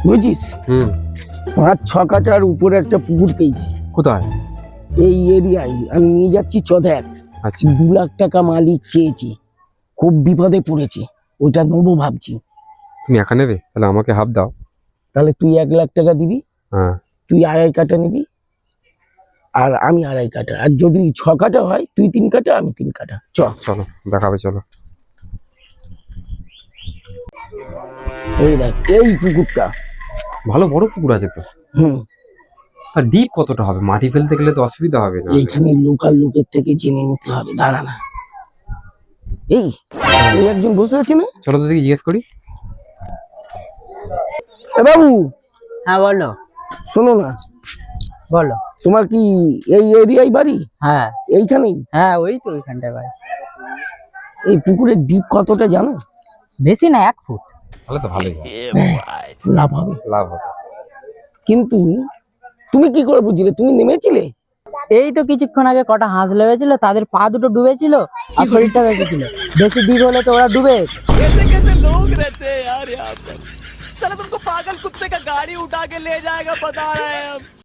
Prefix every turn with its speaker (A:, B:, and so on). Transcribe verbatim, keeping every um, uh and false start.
A: বুঝছিস?
B: হুম।
A: পাঁচ ছ কাটার উপরে একটা পুকুর পেয়েছি
B: কোথায়?
A: এই এরিয়ায়। আমি নিয়ে যাচ্ছি চ দেখ।
B: আচ্ছা,
A: দু লাখ টাকা মালিক চেয়েছি, খুব বিপদে পড়েছে, ওটা নেবো ভাবছি।
B: তুমি একা নেবে? তাহলে আমাকে হাফ দাও।
A: তাহলে তুই এক লাখ টাকা দিবি,
B: হ্যাঁ।
A: তুই আড়াই কাটা নিবি, আর আমি আড়াই কাটা। আর যদি ছ কাটা হয় তুই তিন কাটা, আমি তিন কাটা। চ
B: চলো দেখাবে, চলো।
A: এই দেখ এই পুকুরটা।
B: ভালো বড় পুকুর আছে তো।
A: হুম,
B: আর ডিপ কতটা হবে? মাটি ফেলতে গেলে তো অসুবিধা হবে না?
A: এইখানে লোকাল লোকের থেকে জেনে নিতে হবে, দাঁড়া না। এই এই একজন বসে আছে না?
B: চলো তো দেখি, জিজ্ঞেস করি।
A: এ বাবু,
C: হ্যাঁ বলো।
A: শোনো না,
C: বলো।
A: তোমার কি এই এরিয়ায় বাড়ি?
C: হ্যাঁ
A: এইখানেই?
C: হ্যাঁ ওই তো ওইখানটায় বাড়ি।
A: এই পুকুরের ডিপ কতটা জানো?
C: বেশি না, এক ফুট।
B: তাহলে তো ভালোই হয়।
A: লাভ হবে।
B: লাভ হবে।
A: কিন্তু তুমি কি করে বুঝলে? তুমি নেমেছিলে?
C: এই তো কিছুক্ষণ আগে কটা হাঁস লেগেছিল, তাদের পা দুটো ডুবেছিল আর শরীরটা বেঁচেছিল। বেশি দিক হলে তো ওরা ডুবে যেত।
D: कैसे कैसे लोग रहते हैं यार यहाँ पर। साला तुमको पागल कुत्ते का गाड़ी उठा के ले जाएगा, बता रहे हैं हम।